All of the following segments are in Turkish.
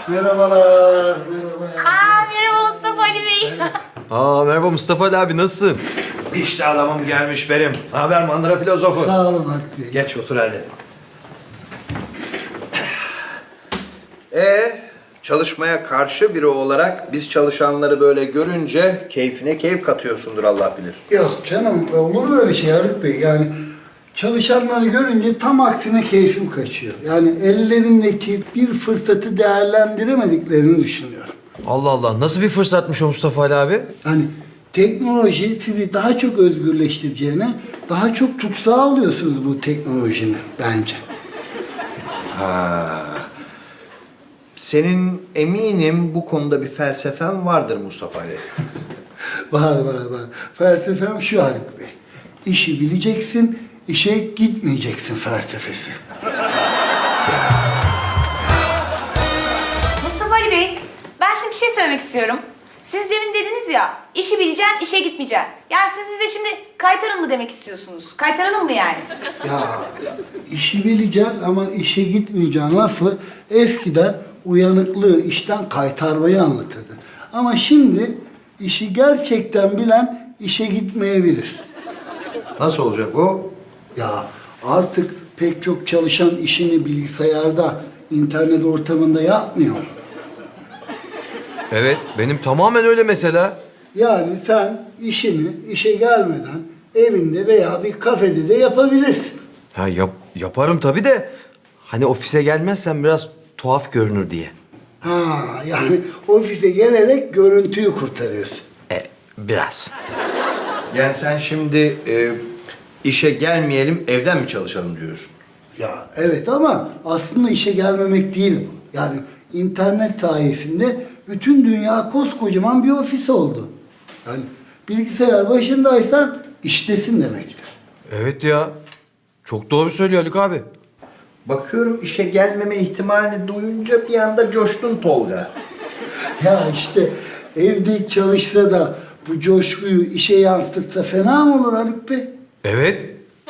Merhabalar. Merhaba. Merhaba Mustafa Ali Bey. Merhaba Mustafa Ali abi, nasılsın? İşte adamım gelmiş benim. Ne haber mandıra filozofu? Sağ olun Hakkı Bey. Geç otur hadi. Çalışmaya karşı biri olarak biz çalışanları böyle görünce keyfine keyif katıyorsundur Allah bilir. Yok canım, olur mu öyle şey Haluk Bey? Yani çalışanları görünce tam aksine keyfim kaçıyor. Yani ellerindeki bir fırsatı değerlendiremediklerini düşünüyorum. Allah Allah, nasıl bir fırsatmış o Mustafa Ali abi? Yani teknoloji sizi daha çok özgürleştireceğine daha çok tutsağı alıyorsunuz bu teknolojinin bence. Senin eminim bu konuda bir felsefen vardır Mustafa Ali. Var. Felsefem şu Haluk Bey. İşi bileceksin, işe gitmeyeceksin felsefesi. Mustafa Ali Bey, ben şimdi bir şey söylemek istiyorum. Siz demin dediniz ya, işi bileceksin, işe gitmeyeceksin. Yani siz bize şimdi kaytarın mı demek istiyorsunuz? Kaytaralım mı yani? Ya işi bileceksin ama işe gitmeyeceksin lafı eskiden uyanıklığı işten kaytarmayı anlatırdı. Ama şimdi işi gerçekten bilen işe gitmeyebilir. Nasıl olacak o? Ya artık pek çok çalışan işini bilgisayarda, internet ortamında yapmıyor. Evet, benim tamamen öyle mesela. Yani sen işini işe gelmeden evinde veya bir kafede de yapabilirsin. Yaparım tabii de hani ofise gelmezsen biraz tuhaf görünür diye. Yani ofise gelerek görüntüyü kurtarıyorsun. Biraz. Yani sen şimdi işe gelmeyelim evden mi çalışalım diyorsun? Ya evet ama aslında işe gelmemek değil bu. Yani internet sayesinde bütün dünya koskocaman bir ofis oldu. Yani bilgisayar başındaysan iştesin demektir. Evet ya, çok doğru söylüyor Haluk abi. Bakıyorum işe gelmeme ihtimalini duyunca bir anda coştun Tolga. Ya işte evde çalışsa da bu coşkuyu işe yansıtsa fena mı olur Haluk Bey? Evet.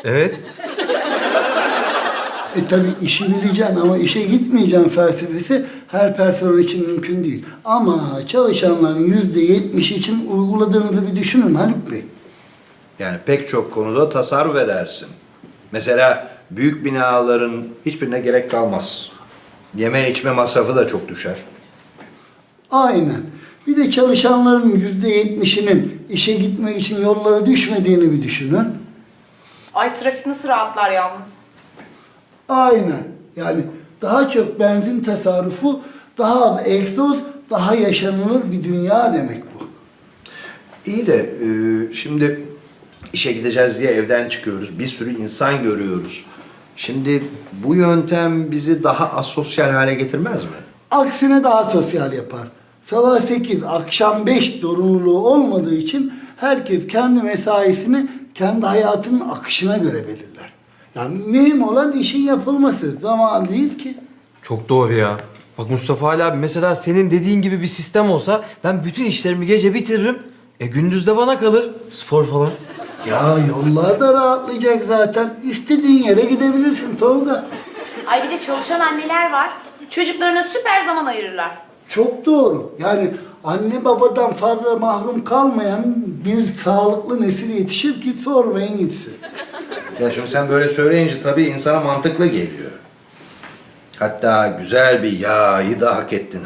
Tabii işi bileceksin ama işe gitmeyeceksin felsefesi her personel için mümkün değil. Ama çalışanların %70'i için uyguladığınızı bir düşünün Haluk Bey. Yani pek çok konuda tasarruf edersin. Mesela büyük binaların hiçbirine gerek kalmaz. Yeme içme masrafı da çok düşer. Aynen. Bir de çalışanların %70'inin işe gitmek için yollara düşmediğini bir düşünün. Ay trafik nasıl rahatlar yalnız. Aynen. Yani daha çok benzin tasarrufu, daha az egzoz, daha yaşanılır bir dünya demek bu. İyi de şimdi işe gideceğiz diye evden çıkıyoruz. Bir sürü insan görüyoruz. Şimdi bu yöntem bizi daha asosyal hale getirmez mi? Aksine daha sosyal yapar. Sabah 8, akşam 5 zorunluluğu olmadığı için herkes kendi mesaisini kendi hayatının akışına göre belirler. Yani mühim olan işin yapılması, zaman değil ki. Çok doğru ya. Bak Mustafa Ali abi, mesela senin dediğin gibi bir sistem olsa ben bütün işlerimi gece bitiririm. Gündüz de bana kalır. Spor falan. Ya yollar da rahatlayacak zaten. İstediğin yere gidebilirsin Tolga. Ay bir de çalışan anneler var. Çocuklarına süper zaman ayırırlar. Çok doğru. Yani anne babadan fazla mahrum kalmayan bir sağlıklı nesil yetişir ki sormayın gitsin. Ya şimdi sen böyle söyleyince tabii insana mantıklı geliyor. Hatta güzel bir yağyı da hak ettin.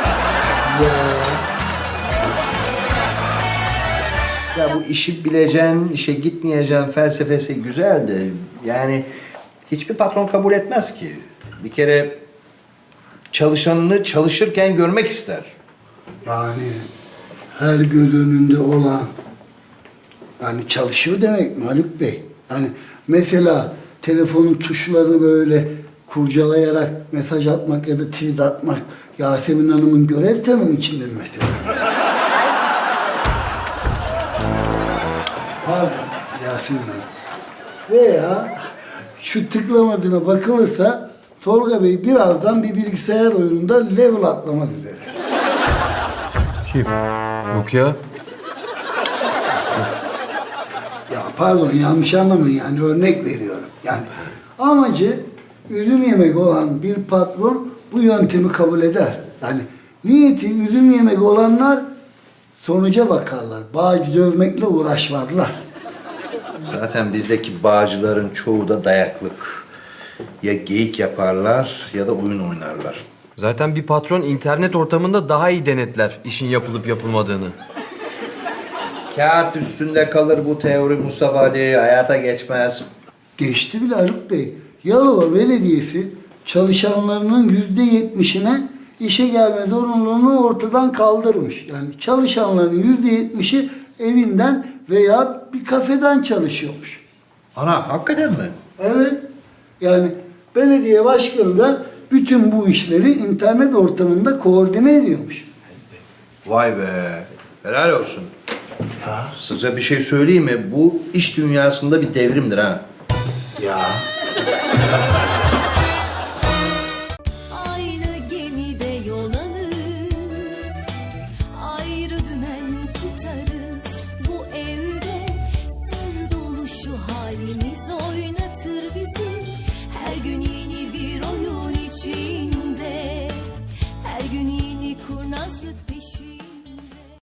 Ya bu işi bileceksin, işe gitmeyeceksin felsefesi güzel de yani hiçbir patron kabul etmez ki. Bir kere çalışanını çalışırken görmek ister. Yani her göz önünde olan yani çalışıyor demek mi Haluk Bey? Yani mesela telefonun tuşlarını böyle kurcalayarak mesaj atmak ya da tweet atmak Yasemin Hanım'ın görev tanımı içinde mi mesela? Pardon Yasemin Hanım. Veya şu tıklamadığına bakılırsa Tolga Bey birazdan bir bilgisayar oyununda level atlamak üzere. Kim? Yok ya. Ya pardon yanlış anlamayın yani örnek veriyorum. Yani amacı ürün yemek olan bir patron bu yöntemi kabul eder. Yani niyeti üzüm yemek olanlar sonuca bakarlar. Bağcı dövmekle uğraşmazlar. Zaten bizdeki bağcıların çoğu da dayaklık. Ya geyik yaparlar ya da oyun oynarlar. Zaten bir patron internet ortamında daha iyi denetler işin yapılıp yapılmadığını. Kağıt üstünde kalır bu teori Mustafa Ali, hayata geçmez. Geçti bile Haluk Bey. Yalova Belediyesi çalışanlarının %70'ine işe gelme zorunluluğunu ortadan kaldırmış. Yani çalışanların %70'i evinden veya bir kafeden çalışıyormuş. Ana hakikaten mi? Evet. Yani belediye başkanı da bütün bu işleri internet ortamında koordine ediyormuş. Vay be, helal olsun. Ya size bir şey söyleyeyim mi? Bu iş dünyasında bir devrimdir ha. Ya